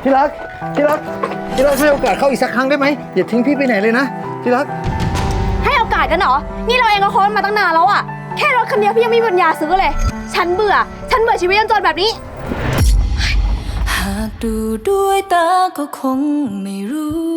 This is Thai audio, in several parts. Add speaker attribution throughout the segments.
Speaker 1: ที่รักที่รักที่รักให้โอกาสเขาอีกสักครั้งได้ไหมอย่าทิ้งพี่ไปไหนเลยนะที่รัก
Speaker 2: ให้โอกาสกันเหรอนี่เราเองก็ค้นมาตั้งนานแล้วอะแค่รถคันเดียวพี่ยังไม่มีปัญญาซื้อเลยฉันเบื่อชีวิตจนแบบนี้
Speaker 3: หากดูด้วยตาก็คงไม่รู้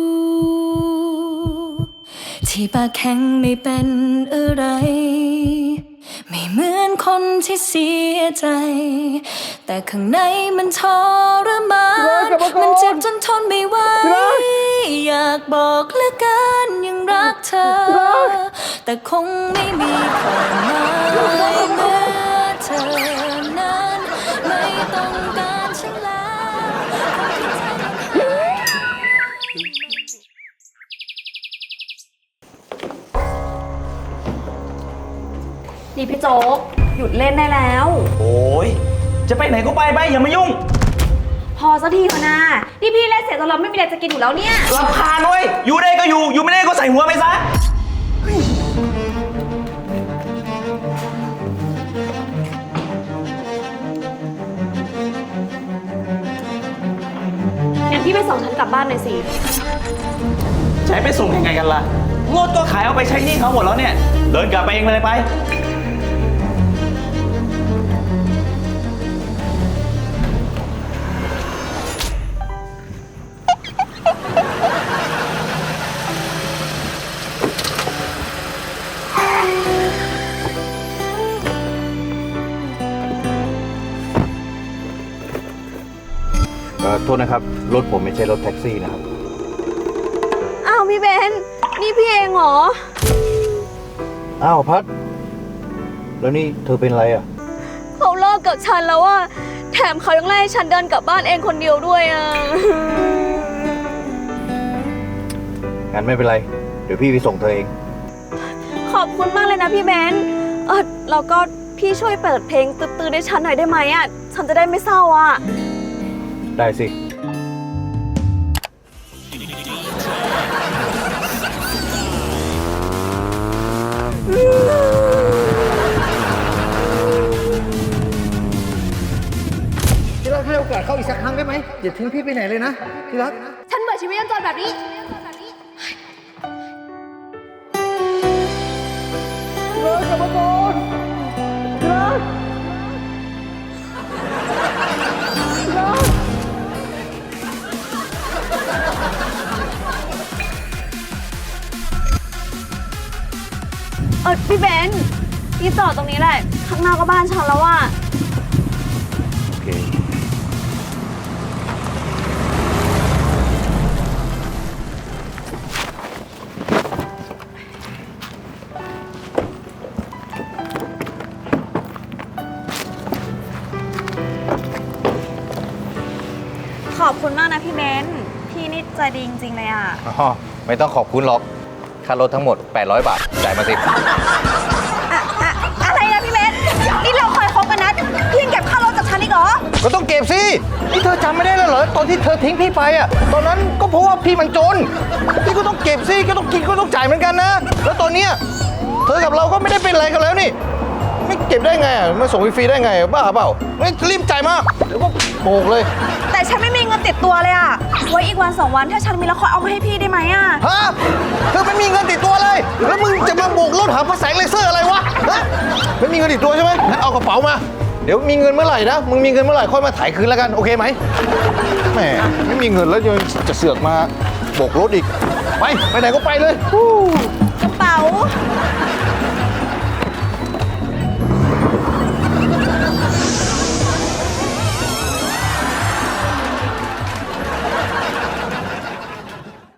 Speaker 3: ที่ปากแข็งไม่เป็นอะไรไม่เหมือนคนที่เสียใจแต่ข้างในมันทรมานมันเจ็บจนทนไม่ไหวอยากบอกเหลือเกินยังรักเธอแต่คงไม่มีความหมายเมื่อเธอนั้นไม่ต้องการฉันแล้ว
Speaker 2: นี่พี่โจ๊กหยุดเล่นได้แล้ว
Speaker 4: โอ้ยจะไปไหนก็ไปอย่ามายุ่ง
Speaker 2: พอสักทีเถอะนะนี่พี่เล่นเสร็จแล้วเราไม่มีอะไรจะกินอยู่แล้วเนี่ย
Speaker 4: รำคาญเว้ยอยู่ได้ก็อยู่ไม่ได้ก็ใส่หัวไปซะ
Speaker 2: งั้นพี่ไปส่งฉันกลับบ้านหน่อยสิ
Speaker 4: ใช้ไปส่งยังไงกันล่ะรถก็ขายเอาไปใช้หนี้เขาหมดแล้วเนี่ยเดินกลับไปเองเลยไป
Speaker 1: โทษนะครับรถผมไม่ใช่รถแท็กซี่นะครับ
Speaker 2: อ้าวพี่เบนนี่พี่เองเหรอ
Speaker 1: อ้าวพัดแล้วนี่เธอเป็นอะไรอ่ะ
Speaker 2: เขาเลิกกับฉันแล้วอะแถมเขายังไล่ฉันเดินกลับบ้านเองคนเดียวด้วยอะ
Speaker 1: งั้นไม่เป็นไรเดี๋ยวพี่ไปส่งเธอเอง
Speaker 2: ขอบคุณมากเลยนะพี่เบนแล้วก็พี่ช่วยเปิดเพลงตื้อๆให้ฉันหน่อยได้ไหมอะฉันจะได้ไม่เศร้าอะ
Speaker 1: ได้สิที่รักให้โอกาสเขาอีกสักครั้งได้ไหมอย่าทิ้งพี่ไปไหนเลยนะที่รัก
Speaker 2: ฉันเบื่อชีวิตจนแบบนี้
Speaker 1: กลับมาก่อนที่รัก
Speaker 2: พี่เบนพี่จอดตรงนี้แหละข้างหน้าก็บ้านฉันแล้วอะ
Speaker 1: โอเค
Speaker 2: ขอบคุณมากนะพี่เบนพี่นี่ใจดีจริงๆเลยอะ
Speaker 1: ไม่ต้องขอบคุณหรอกค่ารถทั้งหมด800 บาทจ่ายมาสิ
Speaker 2: อะไรนะพี่เบนนี่เราเคยคบกันนะพี่ยังเก็บค่ารถจากฉันอีกเหรอ
Speaker 1: ก็ต้องเก็บสินี่เธอจำไม่ได้แล้วเหรอตอนที่เธอทิ้งพี่ไปอ่ะตอนนั้นก็เพราะว่าพี่มันจนพี่ก็ต้องเก็บสิก็ต้องกินก็ต้องจ่ายเหมือนกันนะแล้วตอนเนี้ยเธอกับเราก็ไม่ได้เป็นอะไรกันแล้วนี่ไม่เก็บได้ไงมาส่งฟรีได้ไงบ้าเปล่าไม่รีบจ่ายมาเดี๋ยวก็โบกเลย
Speaker 2: แต่ฉันไม่มีเงินติดตัวเลยอะไว้อีกวัน2 วันถ้าฉันมีแล้วค่อยเอามาให้พี่ได้ไหมอะ
Speaker 1: ฮะเธอไม่มีเงินติดตัวเลยแล้วมึงจะมาโบกรถหาพระแสงเลเซอร์อะไรวะฮะไม่มีเงินติดตัวใช่ไหมงั้นเอากระเป๋ามาเดี๋ยวมีเงินเมื่อไหร่นะมึงมีเงินเมื่อไหร่ค่อยมาถ่ายคืนแล้วกันโอเคไหมแหมไม่มีเงินแล้วยังจะเสือกมาโบกรถอีกไปไหนก็ไปเลย
Speaker 2: กระเป๋า